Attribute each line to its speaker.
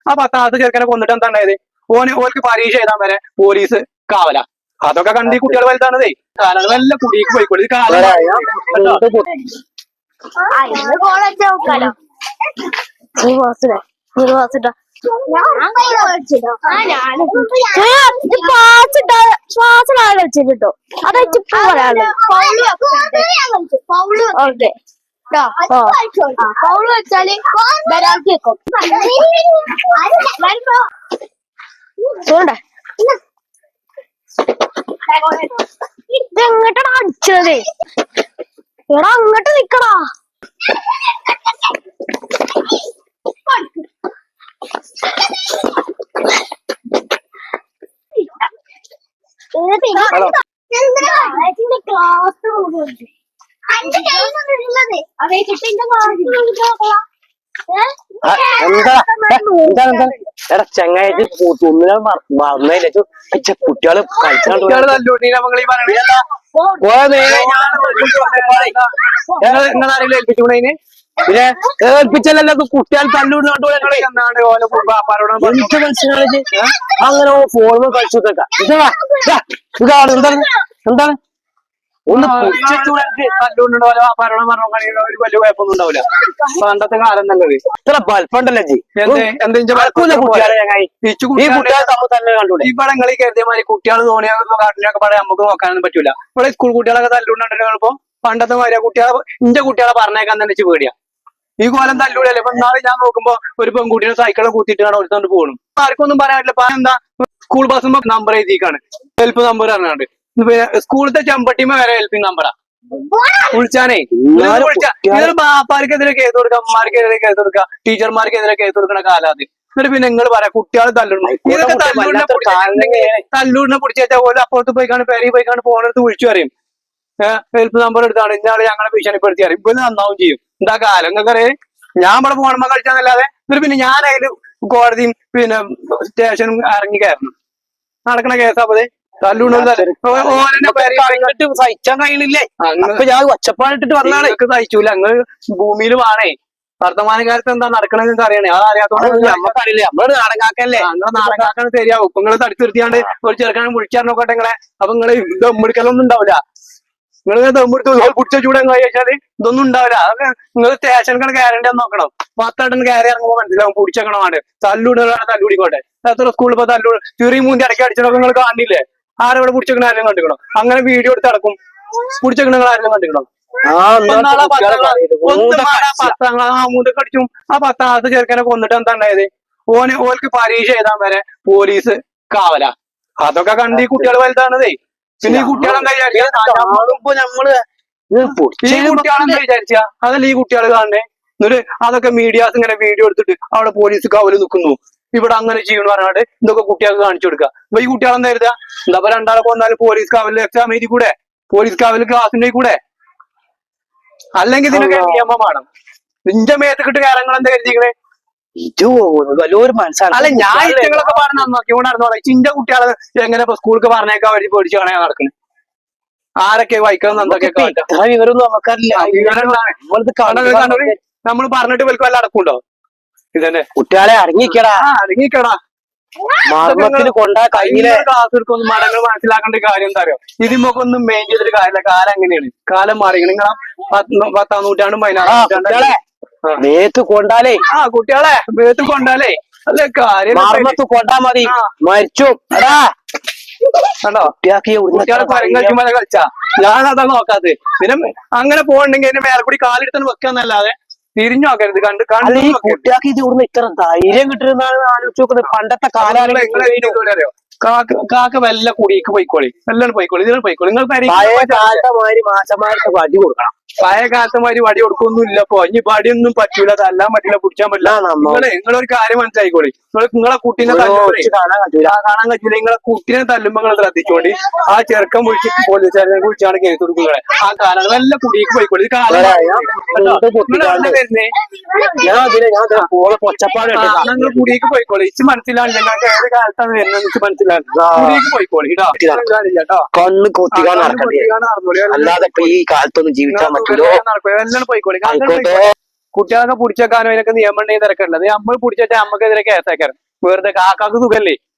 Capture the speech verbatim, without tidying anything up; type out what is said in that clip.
Speaker 1: ആ പത്താമത്തെ ചെറുക്കനെ കൊന്നിട്ട് എന്താ ഉണ്ടായത്? ഓന് ഓർക്ക് പരീക്ഷ എഴുതാൻ വരെ പോലീസ് കാവല. അതൊക്കെ കണ്ട് ഈ കുട്ടികൾ വലുതാണതേ. കാലങ്ങളെല്ലാം കുടിക്ക് പോയിക്കോളി. കാലം
Speaker 2: ശ്വാസം വെച്ചിട്ടോ അതായിട്ട് പൗള് വെച്ചാല് വരാൾക്കും ഇതെങ്ങട്ടാ അടിച്ചത്? എടാ അങ്ങോട്ട് നിക്കടാ.
Speaker 3: എടാ ചങ്ങായിട്ട് തുമ്മിനെ മറന്നതില്ല കുട്ടികള്
Speaker 1: കുട്ടികള് തല്ലൂട്ടി നമ്മളീ പറയണ നിങ്ങളാരെങ്കിലും ഏൽപ്പിച്ചുകൊണ്ടതിന് പിന്നെ ഏൽപ്പിച്ചല്ലോ കുട്ടികൾ തല്ലൂടിനോട്ട്
Speaker 3: എനിക്ക് മനസ്സിലായി അങ്ങനെ ഫോണിൽ കളിച്ചു ഇതാണ് എന്താണ് എന്താണ് ഒന്ന്
Speaker 1: തല്ലൂടിനോ പരണം പറഞ്ഞോ ഒരു വലിയ കുഴപ്പമൊന്നും ഉണ്ടാവില്ല. പണ്ടത്തെ കാലം നല്ലത്.
Speaker 3: ഇത്ര ബൽപ്പുണ്ടല്ലേ ജി
Speaker 1: ഇവിടെ നിങ്ങൾ കരുതിയ മാതിരി കുട്ടികൾ തോണിയ കാട്ടിനൊക്കെ പറയാൻ നമുക്ക് നോക്കാനൊന്നും പറ്റൂല. ഇവിടെ സ്കൂൾ കുട്ടികളൊക്കെ തല്ലൂടുന്നുണ്ടോ? പണ്ടത്തെ മാതിരി കുട്ടികളെ ഇന്റെ കുട്ടികളെ പറഞ്ഞേക്കാൻ തന്നെ വെച്ച് പേടിയാ. ഈ കോലം തല്ലൂടല്ലേ. ഇപ്പൊ നാളെ ഞാൻ നോക്കുമ്പോ ഒരു പെൺകുട്ടിയെ സൈക്കിളെ കൂത്തിയിട്ടാണ് ഒരുത്തോണ്ട് പോകണം. ആർക്കൊന്നും പറയാൻ പറ്റില്ല. എന്താ സ്കൂൾ ബസ്സുമ്പോ നമ്പർ എഴുതിക്കാണ്, ഹെൽപ്പ് നമ്പർ പറഞ്ഞാണ്ട്. സ്കൂളത്തെ ചെമ്പട്ടിമ വരെ ഹെൽപ്പിംഗ് നമ്പറാ വിളിച്ചാനേ. ഇതൊരു ബാപ്പാർക്കെതിരെ കേസ് കൊടുക്കുക, അമ്മമാർക്കെതിരെ കേസ് കൊടുക്കുക, ടീച്ചർമാർക്കെതിരെ കേസ് കൊടുക്കുന്ന കാലാത്. എന്നിട്ട് പിന്നെ നിങ്ങൾ പറയാം കുട്ടികൾ തല്ലുന്നു. ഇതൊക്കെ തല്ലൂടിനെ തല്ലൂടിനെ പിടിച്ചു വെച്ചാൽ പോലെ അപ്പുറത്ത് പോയിക്കാണ് പേരി പോയിക്കാണ് ഫോണെടുത്ത് വിളിച്ചു പറയും. ഹെൽപ്പ് നമ്പർ എടുത്താണ് ഇന്നാള് ഞങ്ങളെ ഭീഷണിപ്പെടുത്തി അറിയും. ഇപ്പൊ നന്നാവും ചെയ്യും. എന്താ കാലം നിങ്ങൾക്കറിയാം. ഞാൻ ഇവിടെ ഫോണമ്മ കളിച്ചാന്നല്ലാതെ എന്നിട്ട് പിന്നെ ഞാൻ അതില് കോടതിയും പിന്നെ സ്റ്റേഷനും ഇറങ്ങി കയറണം. നടക്കണ കേസാപ്പത്.
Speaker 3: സഹിച്ചാൻ കഴിയണില്ലേ? അപ്പൊ ഞാൻ ഒച്ചപ്പാടിട്ടിട്ട് വന്നാണ്.
Speaker 1: സഹിച്ചൂല. അങ്ങ് ഭൂമിയിൽ വേണേ വർത്തമാനകാലത്ത് എന്താ നടക്കണെന്ന് നിങ്ങൾക്ക് അറിയണേ. അത് അറിയാത്തോണ്ട്
Speaker 3: നമ്മക്കറിയില്ലേ? നമ്മള് നാടകാക്കല്ലേ?
Speaker 1: നിങ്ങളെ നാടകാക്കാൻ ശരിയാവും. ഇപ്പൊ നിങ്ങള് തടിച്ചു നിർത്തിയാണ്ട് ഒരു ചെറുക്കാനും വിളിച്ചാൽ നോക്കട്ടെ നിങ്ങളെ. അപ്പൊ നിങ്ങള് ദമ്മെടുക്കലൊന്നും ഉണ്ടാവില്ല. നിങ്ങൾ ദമ്മെടുത്ത് പിടിച്ച ചൂടെ കഴിച്ചാല് ഇതൊന്നും ഉണ്ടാവില്ല. അതൊക്കെ നിങ്ങൾ സ്റ്റേഷനിൽ കയറേണ്ടി നോക്കണം. പത്തടന്ന് കയറി ഇറങ്ങുമ്പോൾ മനസ്സിലാവും പിടിച്ചേക്കണമാണ്. തല്ലൂടുന്ന തല്ലൂടിക്കോട്ടെ. എത്ര സ്കൂളിൽ ഇപ്പൊ തല്ലൂട് ചെറിയ മൂന്തി അടക്കി അടിച്ചതൊക്കെ നിങ്ങൾ കാണില്ലേ? ആരവിടെ പിടിച്ചേക്കണ ആരെങ്കിലും കണ്ടിക്കണോ? അങ്ങനെ വീഡിയോ എടുത്ത് നടക്കും. പിടിച്ചേക്കണ നിങ്ങൾ ആരെങ്കിലും കണ്ടിക്കണോ? പത്താം ക്ലാസ് ആ മൂന്നൊക്കെ അടിച്ചും ആ പത്താമത്തെ ചെറുക്കനെ കൊന്നിട്ട് എന്താ ഉണ്ടായത്? ഓന് ഓർക്ക് പരീക്ഷ എഴുതാൻ വരെ പോലീസ് കാവല. അതൊക്കെ കണ്ട് ഈ കുട്ടികൾ വലുതാണതേ. പിന്നെ ഈ കുട്ടികളെന്താ
Speaker 3: നമ്മള്
Speaker 1: ഈ കുട്ടികളെന്താ വിചാരിച്ച അതല്ല ഈ കുട്ടികൾ കാണണേ. എന്നിട്ട് അതൊക്കെ മീഡിയാസ് ഇങ്ങനെ വീഡിയോ എടുത്തിട്ട് അവിടെ പോലീസ് കാവല് നിൽക്കുന്നു, ഇവിടെ അങ്ങനെ ചെയ്യണു പറഞ്ഞാണ്ട് ഇതൊക്കെ കുട്ടികൾക്ക് കാണിച്ചു കൊടുക്കുക. അപ്പൊ ഈ കുട്ടികളെന്താ കരുതുക? എന്താ രണ്ടാളെ കൊന്നാലും പോലീസ് കാവലിൽ എക്സാം എഴുതി കൂടെ? പോലീസ് കാവലിൽ ക്ലാസ്സിന്റെ കൂടെ? അല്ലെങ്കിൽ ഇതിനൊക്കെ നിയമം വേണം. നിന്റെ മേത്തക്കിട്ട് കാര്യങ്ങൾ എന്താ കരുതിക്കണേ?
Speaker 3: ഇത് വലിയൊരു മനസ്സാണ്.
Speaker 1: അല്ല ഞാൻ ഇറ്റങ്ങളൊക്കെ പറഞ്ഞ നന്നാക്കി നടന്നോളെ. ചിന്റെ കുട്ടികളെ എങ്ങനെ ഇപ്പൊ സ്കൂൾക്ക് പറഞ്ഞേക്കാൻ വേണ്ടി പേടിച്ച് കാണാൻ നടക്കുന്നത്? ആരൊക്കെ വായിക്കണം എന്തൊക്കെ
Speaker 3: വിവരമൊന്നും നമുക്കറിയില്ല.
Speaker 1: നമ്മൾ പറഞ്ഞിട്ട് വൽക്കും വല്ല അടക്കുണ്ടോ? ഇതന്നെ
Speaker 3: കുട്ടികളെ അടങ്ങിക്കടാ
Speaker 1: അടങ്ങിക്കടാ
Speaker 3: മർമ്മത്തിന് കൊണ്ടാ കയ്യിലെ
Speaker 1: ക്ലാസ് എടുക്കൊന്നും മടങ്ങൾ മനസ്സിലാക്കേണ്ട കാര്യം എന്താ അറിയോ? ഇതിമൊക്കെ ഒന്നും മെയിൻ ചെയ്തിട്ട് കാര്യമില്ല. കാലം എങ്ങനെയാണ്? കാലം മാറി. നിങ്ങളാ പത്താം നൂറ്റാണ്ടും പതിനാറാം നൂറ്റാണ്ടും
Speaker 3: മേത്ത് കൊണ്ടാലേ
Speaker 1: ആ കുട്ടികളെ മേത്ത് കൊണ്ടാലേ അല്ലെ കാര്യം
Speaker 3: മർമ്മത്ത് കൊണ്ടാ മതി മരിച്ചു. എടാ
Speaker 1: കണ്ടോ കുട്ടികളെ പരങ്ങ കളിച്ചാ ഞാൻ അതാ നോക്കാത്തത്. പിന്നെ അങ്ങനെ പോകണ്ടെങ്കിൽ അതിന്റെ മേലെ കൂടി കാലെടുത്താണ് വെക്കാന്നല്ലാതെ തിരിഞ്ഞു നോക്കരുത്. കണ്ട് കണ്ട്
Speaker 3: കുട്ടിയാക്കി ഇവിടുന്ന് ഇത്ര ധൈര്യം കിട്ടുന്നതാണ് ആലോചിച്ച് നോക്കുന്നത്. പണ്ടത്തെ കാലം
Speaker 1: അറിയോ? കാക്ക കാക്ക വല്ല കുടിക്ക് പോയിക്കോളി, എല്ലാം പോയിക്കോളി, ഇതിനെ പോയിക്കോളി. നിങ്ങൾ
Speaker 3: കാലത്തമാതിരി മാസമാർക്ക് വടി കൊടുക്കണം.
Speaker 1: പഴയ കാലത്തമാതിരി വടി കൊടുക്കൊന്നും ഇല്ല. അപ്പൊ ഇനി വടിയൊന്നും പറ്റൂല, തല്ലാൻ പറ്റില്ല, പിടിച്ചാൻ പറ്റില്ല. നിങ്ങളെ നിങ്ങളൊരു കാര്യം മനസ്സിലായിക്കോളി. നിങ്ങൾ നിങ്ങളെ കുട്ടീനെ കാണാൻ കാണാൻ പറ്റൂല. നിങ്ങളെ കുട്ടീനെ തല്ലുമ്പോ നിങ്ങൾ ശ്രദ്ധിച്ചോണ്ടി. ആ ചെറുക്കം വിളിച്ച് പോലീസുകാരെ വിളിച്ചാണ് കേസ് കൊടുക്കുന്നത്. ആ കാലങ്ങൾ എല്ലാം കുടിക്ക് പോയിക്കോളി. ഇത് കാലം വരുന്നേ നിങ്ങൾ കുടിക്ക് പോയിക്കോളി. ഇച്ച് മനസ്സിലാണ് ഞങ്ങൾക്ക് ഏത് കാലത്താണ് വരുന്നത് ഇച്ച് മനസ്സിലാണ്. കുടിക്ക് പോയിക്കോളി കേട്ടോ.
Speaker 3: കണ്ണ് കൊത്തിക്കാൻ നടക്കണ്ടേ? അല്ലാതെ ഈ കാലത്തൊന്നും ജീവിക്കാൻ പറ്റുമോ?
Speaker 1: എല്ലാം പോയിക്കോളി. കുട്ടികളൊക്കെ പിടിച്ചേക്കാനോ അതിനൊക്കെ നിയമം ഉണ്ടെങ്കിൽ തിരക്കുള്ളത് നമ്മൾ പിടിച്ചിട്ട് നമുക്കെതിരെ കേസാക്കാറ് വെറുതെ കാക്കാക്ക് സുഖല്ലേ